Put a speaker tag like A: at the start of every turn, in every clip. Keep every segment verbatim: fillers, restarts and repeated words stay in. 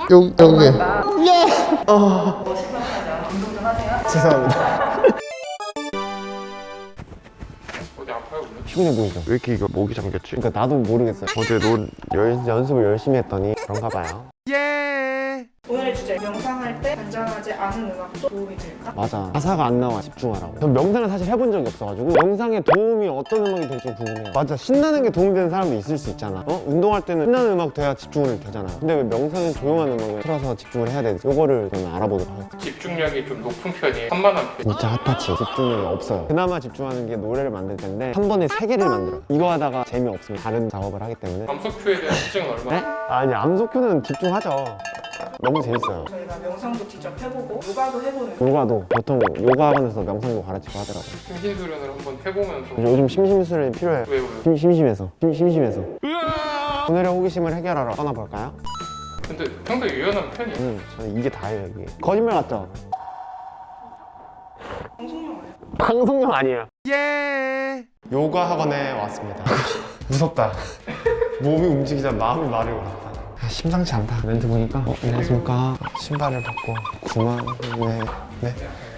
A: 여기 여기.
B: 예. 어. 뭐 심각하죠? 운동 좀 하세요.
A: 죄송합니다.
C: 어디 아파요 오늘?
A: 피곤해 보이죠? 왜 이렇게 이거 목이 잠겼지? 그러니까 나도 모르겠어요. 어제 논 연, 연습을 열심히 했더니 그런가 봐요.
B: 오늘의 주제, 명상할 때 잔잔하지 않은 음악도 도움이 될까?
A: 맞아. 가사가 안 나와. 집중하라고. 전 명상을 사실 해본 적이 없어가지고 명상에 도움이 어떤 음악이 될지 궁금해요. 맞아. 신나는 게 도움이 되는 사람도 있을 수 있잖아. 어? 운동할 때는 신나는 음악 돼야 집중을 되잖아. 근데 왜 명상은 조용한 음악을 틀어서 집중을 해야 되지? 요거를 저는 알아보도록 하겠습니다.
C: 집중력이 좀 높은 편이에요. 산만한 편.
A: 진짜 핫타치. 집중력이 없어요. 그나마 집중하는 게 노래를 만들 텐데 한 번에 세 개를 만들어요. 이거 하다가 재미없으면 다른 작업을 하기 때문에.
C: 암석큐에 대한 특징은 얼마나?
A: 네? 아니 암소큐는 집중하죠. 너무 재밌어요.
B: 저희가 명상도 직접 해보고 요가도 해보는
A: 요가도 보통 요가학원에서 명상도 가르치고 하더라고요.
C: 심신수련을 한번 해보면서
A: 요즘 심심수련이 필요해요.
C: 왜요? 왜요?
A: 심, 심심해서 심, 심심해서 오늘의 호기심을 해결하러 떠나볼까요?
C: 근데 상당히 유연한 편이에요.
A: 저는, 저는 이게 다예요. 이게 거짓말 같죠?
B: 방송용 아니에요?
A: 방송용 아니에요. 예. 요가 학원에 왔습니다. 무섭다. 몸이 움직이자 마음이 말을 걸었다. 심상치 않다. 멘트 보니까 어, 안녕하십니까. 신발을 벗고 구만. 네. 네.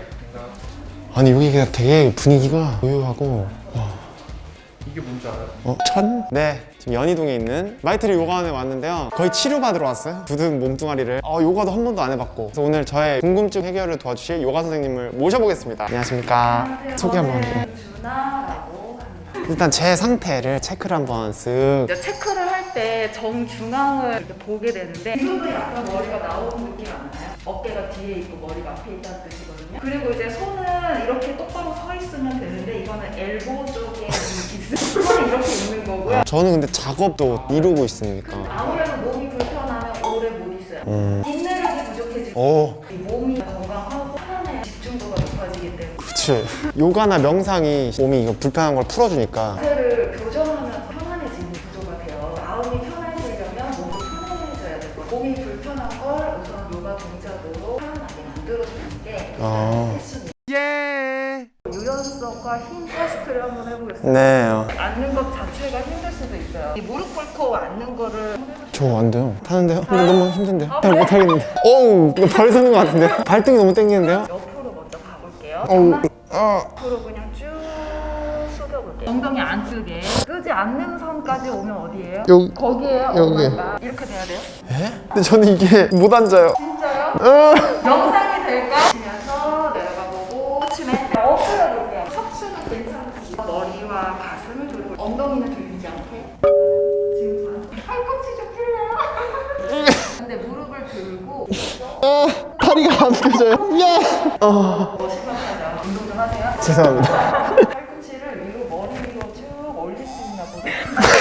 A: 아니 여기가 되게 분위기가 고요하고 와.
C: 이게 뭔지 알아요?
A: 어? 천? 네, 지금 연희동에 있는 마이트리 요가원에 왔는데요. 거의 치료받으러 왔어요. 굳은 몸뚱아리를. 어, 요가도 한 번도 안 해봤고. 그래서 오늘 저의 궁금증 해결을 도와주실 요가 선생님을 모셔보겠습니다. 안녕하십니까.
B: 안녕하세요.
A: 소개 한번
B: 저는
A: 해주세요.
B: 준하라고 합니다.
A: 일단 제 상태를 체크를 한번 쓱.
B: 이제 체크를 할 때 정중앙을 이렇게 보게 되는데 지금도 약간 머리가 나오는 느낌 안 나요? 어깨가 뒤에 있고 머리가 앞에 있다는 뜻이거든요. 그리고 이제 손은 이렇게 똑바로 서 있으면 되는데 이거는 엘보 쪽에 있어요. 손이 이렇게 있는 거고요.
A: 저는 근데 작업도 이루고 있으니까.
B: 아무래도 몸이 불편하면 오래 못 있어요.
A: 음.
B: 인내력이 부족해지고
A: 오,
B: 이 몸이 건강하고 편안해 집중도가 높아지기 때문에
A: 그치. 요가나 명상이 몸이 이거 불편한 걸 풀어주니까.
B: 자세를 교정하면서 편안해지는 구조가 돼요. 마음이 편해지려면 몸이 편해져야 되고 몸이 불편한 걸 우선 요가 동작으로 편안하게 만들어주는 게
A: 어.
B: 핵심이에요.
A: 예.
B: 유연성과 힘 테스트를 한번 해보겠습니다.
A: 네. 어.
B: 앉는 것 자체가 힘들 수도 있어요. 이 무릎 꿇고 앉는 거를
A: 저 안 돼요. 타는데요? 근데 너무 힘든데요? 잘 못하겠는데. 어우, 이거 발 서는 것 같은데? 발등이 너무 땡기는데요?
B: 옆으로 먼저 가볼게요.
A: 어우,
B: 정말
A: 어.
B: 앞으로 그냥 쭉 숙여볼게요. 엉덩이 안 뜨게. 뜨지 않는 선까지 오면 어디예요?
A: 여기.
B: 거기에요.
A: 여기.
B: 엉덩이가. 이렇게 돼야 돼요?
A: 에? 근데 저는 이게 못 앉아요.
B: 진짜요?
A: 어.
B: 영상이 될까? 치면서 내려가 보고 치면 엎드려 볼게요. 척추는 괜찮으시고 머리와 가슴을 돌리고 엉덩이는 들리지 않게 지금 팔꿈치 좀 풀려요. 근데 무릎을 들고
A: 아, 다리가 안 펴져요. 야. 어.
B: 뭐 심각하죠? 운동 좀 하세요.
A: 죄송합니다.
B: 팔꿈치를 위로 머리 위로 쭉 올릴 수 있나 보다.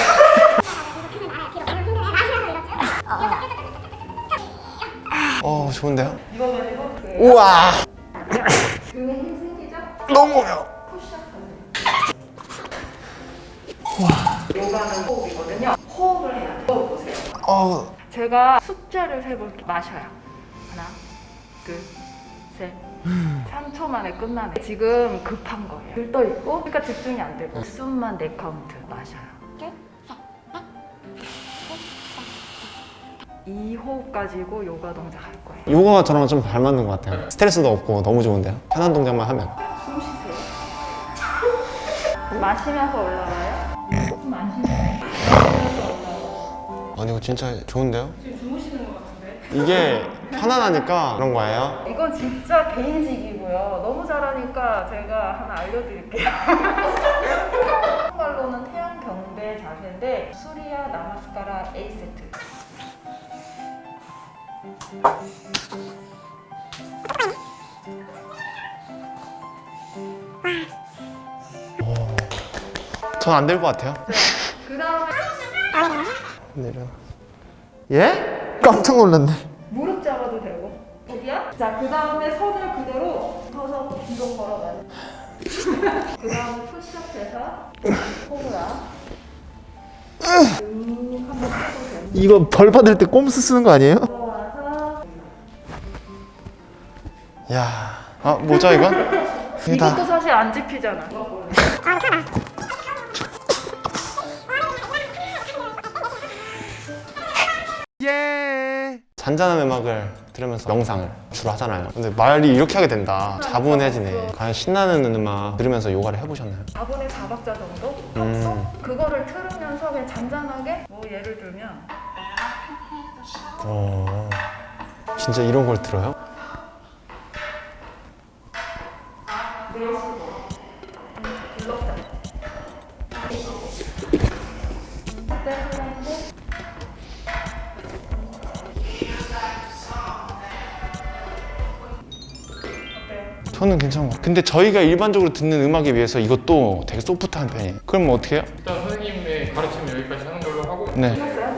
A: 어, 좋은데요?
B: 이거 가지고 그
A: 우와.
B: 등에 힘 생기죠?
A: 너무요.
B: 푸시업 하세요. 요가는 호흡이거든요. 호흡을 해야 돼요. 호흡 보세요.
A: 어.
B: 제가 숫자를 세볼게요. 마셔요. 하나, 둘, 셋. 삼 초 만에 끝나네. 지금 급한 거예요. 들떠 있고, 그러니까 집중이 안 되고. 숨만 네 카운트 마셔요. 이 호흡 가지고 요가 동작 할 거예요.
A: 요가가 저랑 좀 잘 맞는 것 같아요. 스트레스도 없고 너무 좋은데요? 편한 동작만 하면.
B: 숨 쉬세요. 마시면서 올라와요. 숨 안 쉬세요. 마시면서 올라와요.
A: 아니, 이거 진짜 좋은데요?
B: 지금 주무시는 것 같은데?
A: 이게 편안하니까 그런 거예요?
B: 이건 진짜 개인식이고요. 너무 잘하니까 제가 하나 알려드릴게요. 한국말로는 태양 경배 자세인데 수리야 나마스카라 A 세트.
A: 전 안 될 것 같아요.
B: 그 다음에
A: 내려. 예? 깜짝 놀랐네.
B: 무릎 잡아도 되고. 여기야? 자, 그 다음에 손을 그대로 서서 뒤로 걸어가요. 그 다음에 푸시업해서 호흡라. 음, 한번 해보세요.
A: 이거 벌 받을 때 꼼수 쓰는 거 아니에요?
B: 들어와서
A: 야, 아 뭐죠 이건? 이게
B: 이것도
A: 다
B: 사실 안 집히잖아.
A: 잔잔한 음악을 들으면서 명상을 주로 하잖아요. 근데 말이 이렇게 하게 된다. 차분해지네. 과연 신나는 음악 들으면서 요가를 해보셨나요?
B: 사 분의 사 박자 정도?
A: 음.
B: 합성? 그거를 틀으면서 그냥 잔잔하게 뭐 예를 들면
A: 어, 진짜 이런 걸 들어요?
B: 블럭자
A: 저는 괜찮은 것 같아요. 근데 저희가 일반적으로 듣는 음악에 비해서 이것도 되게 소프트한 편이에요. 그럼 뭐 어떻게 해요?
C: 일단 선생님의 가르침 여기까지 하는 걸로 하고
A: 네.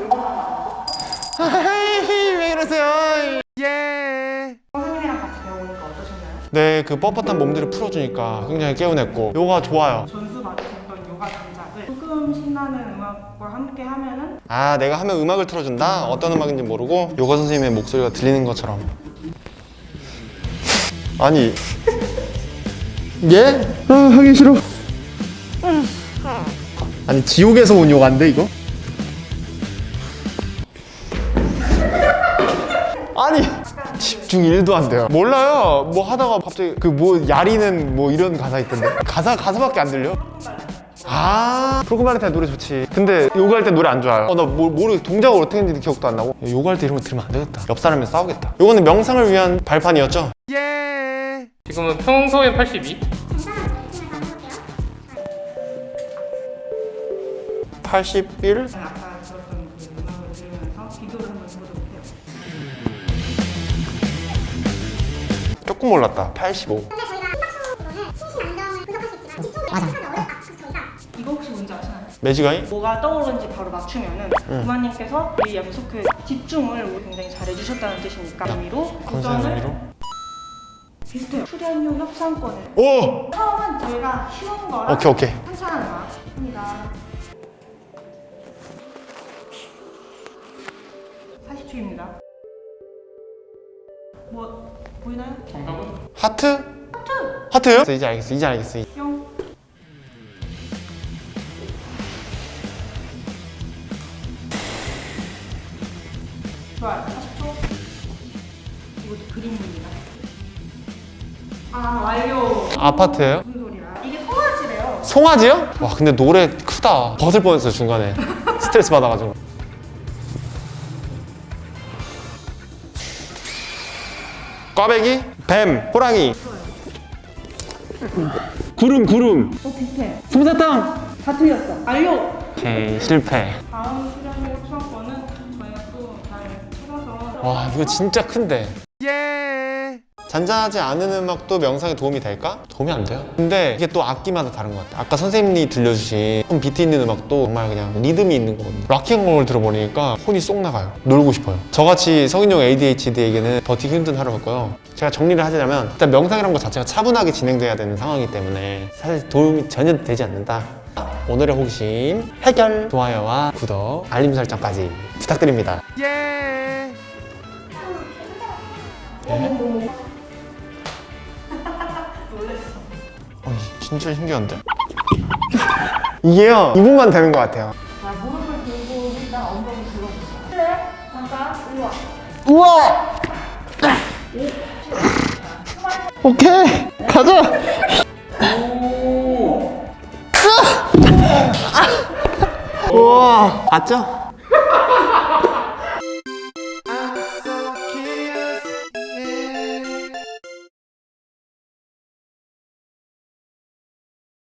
A: 하이, 왜 이러세요? 예.
B: 선생님이랑 같이 배우니까 어떠셨나요?
A: 네, 그 뻣뻣한 몸들을 풀어주니까 굉장히 개운했고 요가 좋아요.
D: 전수 받으셨던 요가 동작을 조금 신나는 음악과 함께 하면은
A: 아, 내가 하면 음악을 틀어준다? 어떤 음악인지 모르고 요가 선생님의 목소리가 들리는 것처럼. 아니 예? 아, 하기 싫어. 아니 지옥에서 온 요가인데 이거? 아니 집중 일도 안 돼요. 몰라요. 뭐 하다가 갑자기 그 뭐 야리는 뭐 이런 가사 있던데 가사 가사밖에 안 들려. 아, 프로그발레타 노래 좋지. 근데 요가 할 때 노래 안 좋아요. 어, 나 뭐, 모르겠 동작을 어떻게 했는지 기억도 안 나고. 요가 할 때 이런 거 들으면 안 되겠다. 옆 사람이랑 싸우겠다. 요거는 명상을 위한 발판이었죠? 예.
C: 지금은 평소엔 팔십이,
A: 팔십일?
D: 아까 들었던 그 음악을 들으면서 비교를 한번 해보도록 해요.
A: 조금 올랐다. 팔십오.
E: 근데 저희가 심박수로는 심신 안정을 분석할 수 있지만 집중이 참 어려워. 아, 그래서 저희가
D: 이거 혹시 뭔지 아시나요?
A: 매지가이?
D: 뭐가 떠오르는지 바로 맞추면은
A: 응.
D: 부마님께서 이 연속회 집중을 굉장히 잘 해주셨다는 뜻이니까 의미로
A: 감사의
D: 도전을
A: 의미로?
D: 비슷해요. 출연료 협상권을
A: 오!
D: 처음은 저희가 쉬운 거랑
A: 오케이 오케이.
D: 한창한 음악 합니다. 사십 초입니다. 뭐 보이나요?
C: 정답은?
A: 하트? 하트! 하트요? 이제 알겠어 이제 알겠어.
D: 뿅. 좋아요. 사십 초. 이것도 그림입니다. 아 완료.
A: 아파트예요?
D: 무슨 소리야? 이게 송아지래요.
A: 송아지요? 와 근데 노래 크다. 벗을 뻔했어 중간에. 스트레스 받아가지고. 꽈배기? 뱀, 호랑이. 구름, 구름.
D: 어 비슷해.
A: 솜사탕.
D: 다 틀렸어. 완료.
A: 오케이, 실패.
D: 다음 출연료 추천권은 저희가 또 잘 찾아서
A: 와, 이거 진짜 큰데. 예. 잔잔하지 않은 음악도 명상에 도움이 될까? 도움이 안 돼요. 근데 이게 또 악기마다 다른 것 같아. 아까 선생님이 들려주신 좀 비트 있는 음악도 정말 그냥 리듬이 있는 거거든요. 락앤롤을 들어보니까 혼이 쏙 나가요. 놀고 싶어요. 저같이 성인용 에이디에이치디에게는 버티기 힘든 하루였고요. 제가 정리를 하자면 일단 명상이라는 것 자체가 차분하게 진행돼야 되는 상황이기 때문에 사실 도움이 전혀 되지 않는다. 오늘의 호기심 해결! 좋아요와 구독, 알림 설정까지 부탁드립니다. 예. 예? 아니 진짜 신기한데? 이게요 이 분만 되는 것 같아요.
B: 자 무릎을 들고 일단 엉덩이 들어보세요. 그래 잠깐 일로 와.
A: 우와! 오케이 가자! 우와 봤죠?